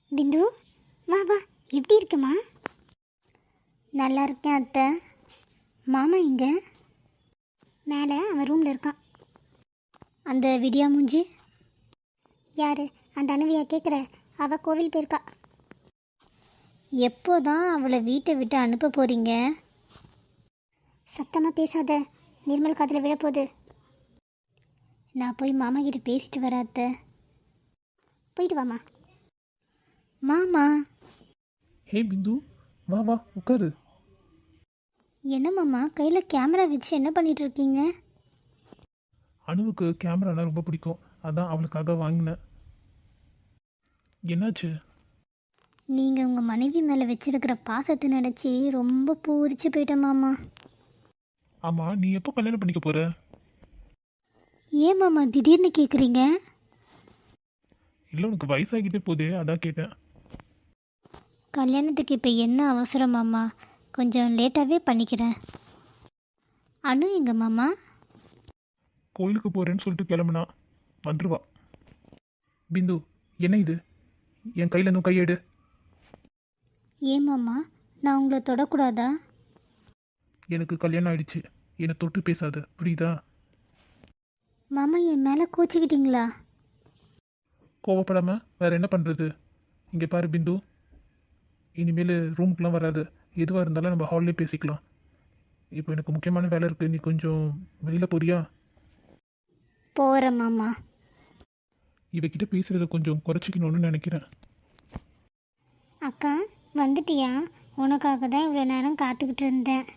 பிந்து, வா வா. எப்படி இருக்குமா? நல்லா இருக்கேன் அத்தை. மாமா இங்கே மேலே அவன் ரூமில் இருக்கான். அந்த விடியா மூஞ்சி யார்? அந்த அணுவியா கேட்குற? அவள் கோவில் போயிருக்கா. எப்போதான் அவளை வீட்டை விட்டு அனுப்ப போகிறீங்க? சத்தமாக பேசாத, நிர்மல் காதில் விழப்போகுது. நான் போய் மாமா கிட்ட பேசிட்டு வரேன் அத்தை. போயிட்டு வாமா. மாமா. ஹே பிந்து, வா வா உட்காரு. என்ன மாமா கையில் கேமரா வச்சு என்ன பண்ணிட்டு இருக்கீங்க? அணுவுக்கு கேமரானா ரொம்ப பிடிக்கும், அதான் அவளுக்காக வாங்கினேன். என்னாச்சு? நீங்கள் உங்கள் மனைவி மேலே வச்சிருக்கிற பாசத்தை நினச்சி ரொம்ப பூரிச்சு போயிட்டேன் மாமா. ஆமாம், நீ எப்போ கல்யாணம் பண்ணிக்க போகிற? ஏன் மாமா திடீர்னு கேட்குறீங்க? இல்லை, உனக்கு வயசாகிட்டே போதே, அதான் கேட்டேன். கல்யாணத்துக்கு இப்போ என்ன அவசரம் மாமா? கொஞ்சம் லேட்டாகவே பண்ணிக்கிறேன். அனு எங்க மாமா? கோயிலுக்கு போகிறேன்னு சொல்லிட்டு கிளம்புனா, வந்துருவா. பிந்து, என்ன இது? என் கையில் இன்னும் கையெடு. ஏன் மாமா, நான் உங்களை தொடக்கூடாதா? எனக்கு கல்யாணம் ஆயிடுச்சு, என்னை தொட்டு பேசாத, புரியுதா? மாமா என் மேலே கோச்சிக்கிட்டீங்களா? கோவப்படாமல் வேற என்ன பண்ணுறது? இங்கே பாரு பிந்து, இனிமேல் ரூமுக்கெலாம் வராது. எதுவாக இருந்தாலும் நம்ம ஹால்லே பேசிக்கலாம். இப்போ எனக்கு முக்கியமான வேலை இருக்குது, நீ கொஞ்சம் வெளியில் போறியா? போகிறேன் மாமா. இவகிட்ட பேசுகிறத கொஞ்சம் குறைச்சிக்கணும்னு நினைக்கிறேன். அக்கா வந்துட்டியா? உனக்காக தான் இவ்வளோ நேரம் காத்துக்கிட்டு இருந்தேன்.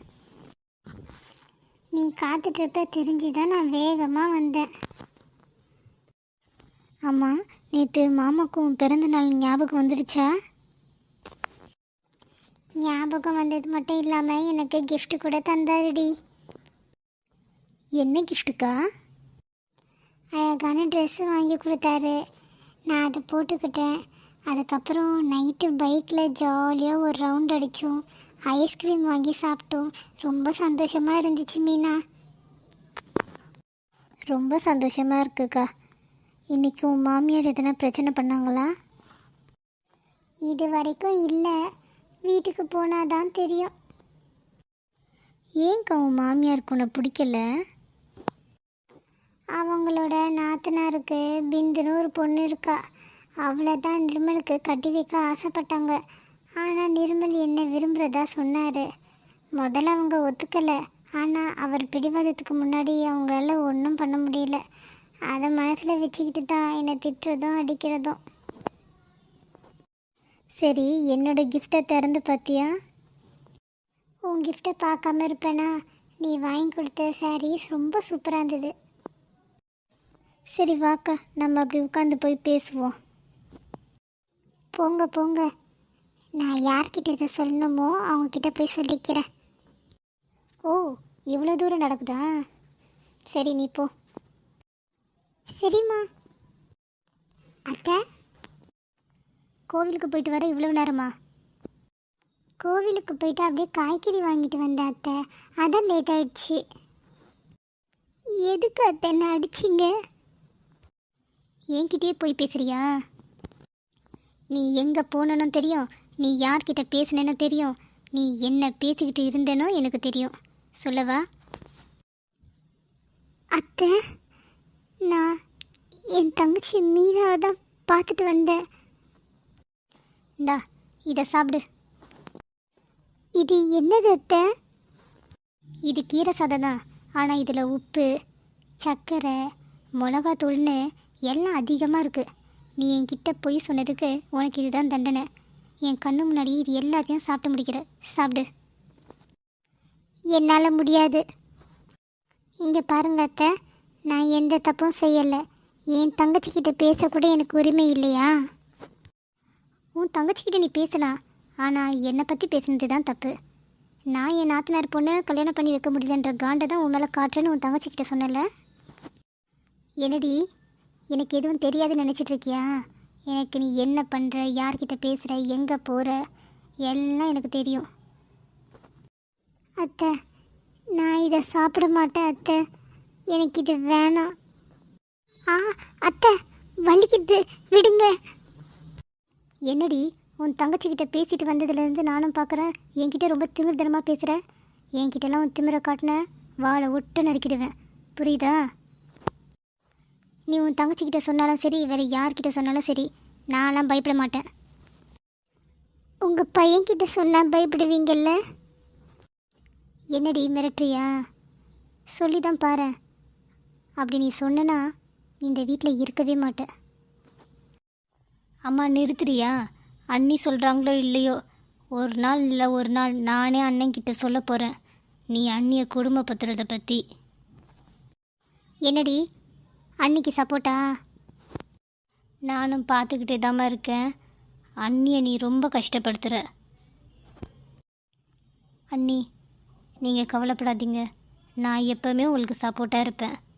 நீ காத்துட்ருப்ப தெரிஞ்சு தான் நான் வேகமாக வந்தேன். ஆமாம், நேற்று மாமாக்கும் பிறந்த நாள் ஞாபகம் வந்துடுச்சா? ஞாபகம் வந்தது மட்டும் இல்லாமல் எனக்கு gift கூட தந்தாருடி. என்ன கிஃப்ட்டுக்கா? அழகான ட்ரெஸ்ஸு வாங்கி கொடுத்தாரு. நான் அதை போட்டுக்கிட்டேன். அதுக்கப்புறம் நைட்டு பைக்கில் ஜாலியாக ஒரு ரவுண்ட் அடித்தோம். ஐஸ்கிரீம் வாங்கி சாப்பிட்டோம். ரொம்ப சந்தோஷமாக இருந்துச்சு மீனா. ரொம்ப சந்தோஷமாக இருக்குக்கா. இன்றைக்கி உன் மாமியார் எதனா பிரச்சனை பண்ணாங்களா? இது வரைக்கும் இல்லை, வீட்டுக்கு போனால் தான் தெரியும். ஏன்க்கா உன் மாமியாருக்கு உன்னை பிடிக்கல? அவங்களோட நாத்தனாருக்கு பிந்துன்னு ஒரு பொண்ணு இருக்கா. அவளை தான் நிர்மலுக்கு கட்டி வைக்க ஆசைப்பட்டாங்க. ஆனால் நிர்மல் என்ன விரும்புகிறதா சொன்னார். முதல்ல அவங்க ஒத்துக்கலை. ஆனால் அவர் பிடிவாதத்துக்கு முன்னாடி அவங்களால ஒன்றும் பண்ண முடியல. அதை மனசில் வச்சுக்கிட்டு தான் என்னை திட்டுறதும் அடிக்கிறதும். சரி, என்னோட கிஃப்டை திறந்து பார்த்தியா? உன் கிஃப்டை பார்க்காம இருப்பேனா? நீ வாங்கி கொடுத்த சாரீஸ் ரொம்ப சூப்பராக இருந்தது. சரி வாக்கா, நம்ம அப்படி உட்காந்து போய் பேசுவோம். போங்க போங்க, நான் யார்கிட்ட இதை சொல்லணுமோ அவங்கக்கிட்ட போய் சொல்லிக்கிறேன். ஓ, இவ்வளோ தூரம் நடக்குதா? சரி நீ போ. சரிம்மா. அத்தை, கோவிலுக்கு போயிட்டு வர இவ்வளோ நேரமா? கோவிலுக்கு போயிட்டு அப்படியே காய்கறி வாங்கிட்டு வந்தேன் அத்தை, அதான் லேட் ஆயிடுச்சு. எதுக்கு அத்தை என்ன அடிச்சிங்க? என்கிட்டயே போய் பேசுறியா? நீ எங்கே போனனோ தெரியும், நீ யார்கிட்ட பேசினேன்னு தெரியும், நீ என்ன பேசிக்கிட்டு இருந்தேனோ எனக்கு தெரியும். சொல்லவா? அத்தை, நான் என் தங்கச்சி மீனாவை தான் பார்த்துட்டு வந்தேன். இந்தா இதை சாப்பிடு. இது என்னது அத்தை? இது கீரை சாதம் தான். ஆனால் இதில் உப்பு, சர்க்கரை, மிளகாத்தூள்னு எல்லாம் அதிகமாக இருக்குது. நீ என்கிட்ட போய் சொன்னதுக்கு உனக்கு இதுதான் தண்டனை. என் கண்ணு முன்னாடி இது எல்லாத்தையும் சாப்பிட்டு முடிக்கிற. சாப்பிடு. என்னால் முடியாது. இங்கே பாருங்க அத்தை, நான் எந்த தப்பும் செய்யலை. என் தங்கச்சிக்கிட்ட பேசக்கூட எனக்கு உரிமை இல்லையா? உன் தங்கச்சிக்கிட்ட நீ பேசலாம், ஆனால் என்னை பற்றி பேசுனது தான் தப்பு. நான் என் நாத்தனார் பொண்ணை கல்யாணம் பண்ணி வைக்க முடியலன்ற காண்டை தான் உன் மேலே காட்டுறேன்னு உன் தங்கச்சிக்கிட்ட சொன்னல. என்னடி, எனக்கு எதுவும் தெரியாதுன்னு நினச்சிட்ருக்கியா? எனக்கு நீ என்ன பண்ணுற, யார்கிட்ட பேசுகிற, எங்கே போகிற, எல்லாம் எனக்கு தெரியும். அத்தை, நான் இதை சாப்பிட மாட்டேன் அத்தை, எனக்கு இது வேணாம். அத்தை வலிக்குது, விடுங்க. என்னடி உன் தங்கச்சிக்கிட்ட பேசிட்டு வந்ததுலேருந்து நானும் பார்க்குறேன் என்கிட்ட ரொம்ப திமிர்தனமாக பேசுகிற. என்கிட்டலாம் உன் திமிரை காட்டின வாழை ஒட்ட நறுக்கிடுவேன், புரியுதா? நீ உன் தங்கச்சிக்கிட்ட சொன்னாலும் சரி, வேறு யார்கிட்ட சொன்னாலும் சரி, நான்லாம் பயப்பட மாட்டேன். உங்கள் பையன்கிட்ட சொன்னால் பயப்படுவீங்கல்ல? என்னடி மிரட்டுறியா? சொல்லி தான் பாரு. அப்படி நீ சொன்னனா நீ இந்த வீட்டில் இருக்கவே மாட்டேன். அம்மா நிறுத்துறியா? அண்ணி சொல்கிறாங்களோ இல்லையோ, ஒரு நாள் இல்லை ஒரு நாள் நானே அண்ணன்கிட்ட சொல்ல போகிறேன் நீ அண்ணியை குடும்பப்படுத்துறதை பற்றி. என்னடி அன்னிக்கு சப்போர்ட்டா? நானும் பார்த்துக்கிட்டே தாம்மா இருக்கேன். அண்ணியை நீ ரொம்ப கஷ்டப்படுத்துகிற. அண்ணி நீங்கள் கவலைப்படாதீங்க, நான் எப்போவுமே உங்களுக்கு சப்போர்ட்டாக இருப்பேன்.